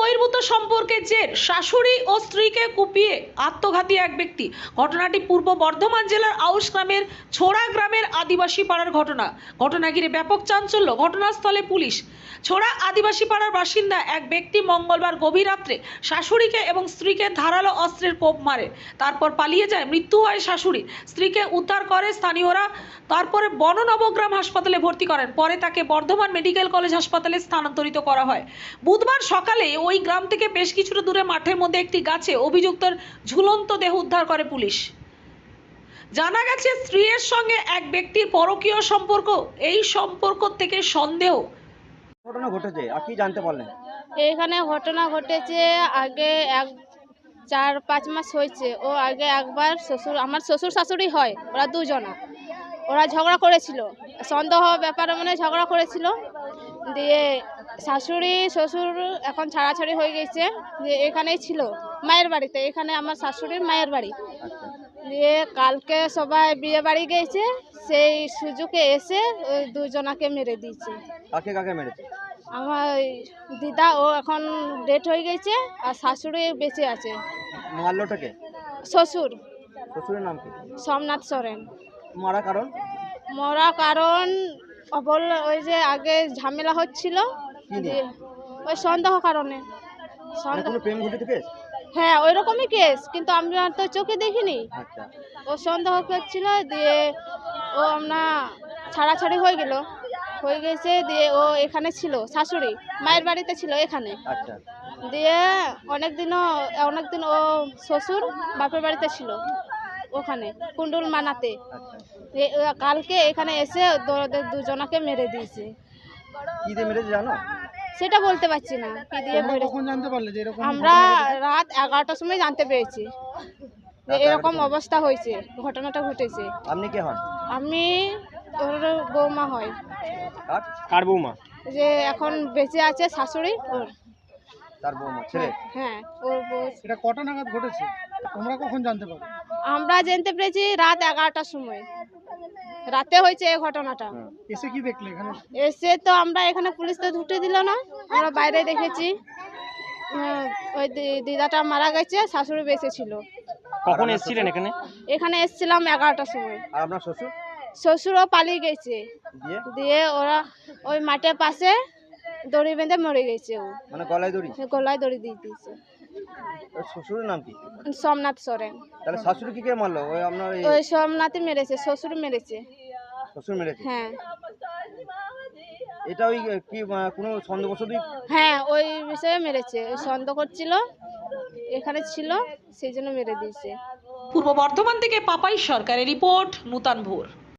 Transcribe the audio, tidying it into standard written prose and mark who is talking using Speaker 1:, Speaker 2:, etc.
Speaker 1: বহির্ভূত সম্পর্কের জের শাশুড়ি ও স্ত্রীকে কুপিয়ে আত্মঘাতী এক ব্যক্তি। ঘটনাটি পূর্ব বর্ধমান জেলার আউশ গ্রামের ছোড়া গ্রামের আদিবাসী পাড়ার ঘটনা ঘিরে ব্যাপক চাঞ্চল্য। ঘটনাস্থলে পুলিশ। ছোড়া আদিবাসী পাড়ার বাসিন্দা এক ব্যক্তি মঙ্গলবার গভীর রাত্রে শাশুড়িকে এবং স্ত্রীকে ধারালো অস্ত্রের কোপ মারে, তারপর পালিয়ে যায়। মৃত্যু হয় শাশুড়ির। স্ত্রীকে উদ্ধার করে স্থানীয়রা, তারপরে বননবগ্রাম হাসপাতালে ভর্তি করেন। পরে তাকে বর্ধমান মেডিকেল কলেজ হাসপাতালে স্থানান্তরিত করা হয়। বুধবার সকালে ওই গ্রাম থেকে বেশ কিছুটা দূরে মাঠের মধ্যে একটি গাছে অভিযুক্তের ঝুলন্ত দেহ উদ্ধার করে পুলিশ। জানা গেছে, স্ত্রীর সঙ্গে এক ব্যক্তির পরকীয় সম্পর্ক। এই সম্পর্ক থেকে সন্দেহ।
Speaker 2: ঘটনা ঘটেছে আর কি জানতে পারলেন?
Speaker 3: এখানে ঘটনা ঘটেছে আগে 4-5 মাস হয়েছে। ও আগে একবার আমার শ্বশুর শাশুড়ি হয়, ওরা দুজনা, ওরা ঝগড়া করেছিল, সন্দেহ ব্যাপারে মানে ঝগড়া করেছিল। দিয়ে শাশুড়ি শ্বশুর এখন ছাড়াছাড়ি হয়ে গেছে। দিয়ে এখানেই ছিল মায়ের বাড়িতে, এখানে আমার শাশুড়ির মায়ের বাড়ি। দিয়ে কালকে সবাই বিয়ে বাড়ি গেছে, সেই সুযোগে এসে ওই দুজনাকে মেরে দিয়েছে।
Speaker 2: কাকে কাকে মেরেছে?
Speaker 3: আমার দিদা, ও এখন ডেট হয়ে গেছে, আর শাশুড়ি বেঁচে আছে।
Speaker 2: মারলোটাকে?
Speaker 3: শ্বশুর।
Speaker 2: শ্বশুরের নাম কি?
Speaker 3: সোমনাথ সরেন।
Speaker 2: মারা কারণ?
Speaker 3: মরা কারণ বললে ওই যে আগে ঝামেলা হচ্ছিল,
Speaker 2: কি নিয়ে?
Speaker 3: দিয়ে ওই সন্দেহ কারণে।
Speaker 2: মানে কোনো প্রেম ঘটিত কেস?
Speaker 3: হ্যাঁ, ওই রকমই কেস, কিন্তু আমরা তো চোখে দেখিনি।
Speaker 2: আচ্ছা।
Speaker 3: ও সন্দেহ করছিল, দিয়ে ও আমরা ছাড়াছাড়ি হয়ে গেছে। দিয়ে ও এখানে ছিল, শাশুড়ি মায়ের বাড়িতে ছিল এখানে।
Speaker 2: আচ্ছা।
Speaker 3: দিয়ে অনেকদিন ও শ্বশুর বাপের বাড়িতে ছিল ওখানে কুণ্ডুল মানাতে।
Speaker 2: আচ্ছা।
Speaker 3: কালকে এখানে এসে ওদের দুজনাকে মেরে দিয়েছে।
Speaker 2: কি দিয়ে মেরেছে জানো?
Speaker 3: সেটা বলতে পারছি না কি দিয়ে মেরেছে।
Speaker 2: কখন জানতে পারলে যে এরকম?
Speaker 3: আমরা রাত 11টার সময় জানতে পেরেছি যে এরকম অবস্থা হয়েছে, ঘটনাটা ঘটেছে।
Speaker 2: আপনি কে হন?
Speaker 3: আমি ওর বৌমা হয়।
Speaker 2: কার বৌমা?
Speaker 3: যে এখন বেঁচে আছে শাশুড়ি, ওর।
Speaker 2: তার বৌমা ছেলে?
Speaker 3: হ্যাঁ, ওর বউ।
Speaker 2: এটা কটা নাগাদ ঘটেছে? তোমরা কখন জানতে পারলে?
Speaker 3: আমরা জানতে পেরেছি রাত 11টার সময়, রাতে হয়েছে এই ঘটনাটা।
Speaker 2: এসে কি দেখলে এখানে?
Speaker 3: এসে তো আমরা এখানে পুলিশ তো ঢুকতে দিল না, আমরা বাইরে দেখেছি। ওই দিদাটা মারা গেছে, শাশুড়ি বেঁচে ছিল।
Speaker 2: কখন এসেছিলেন এখানে?
Speaker 3: এখানে এসেছিলাম 11টার সময়।
Speaker 2: আর আপনার শ্বশুর?
Speaker 3: শ্বশুরও পালিয়ে গেছে। দিয়ে ওরা ওই মাঠের পাশে দড়ি বেঁধে মরে গেছে। ও
Speaker 2: মানে গলায় দড়ি?
Speaker 3: গলায় দড়ি দিয়ে দিয়েছে।
Speaker 2: শ্বশুরের নাম কি?
Speaker 3: সোমনাথ সরেন।
Speaker 2: তাহলে শাশুড়ি কি কে মারলো? ওই আপনার
Speaker 3: ওই সোমনাথই মেরেছে, শ্বশুর মেরেছে।
Speaker 2: শ্বশুর মেরেছে?
Speaker 3: হ্যাঁ।
Speaker 2: এটা ওই কি কোনো সন্দেহবশতই?
Speaker 3: হ্যাঁ, ওই বিষয়ে মেরেছে, ওই সন্দেহ করছিল, এখানে ছিল, সেই জন্য মেরে দিয়েছে।
Speaker 1: পূর্ব বর্ধমান থেকে পাপাই সরকারের রিপোর্ট, নূতন ভোর।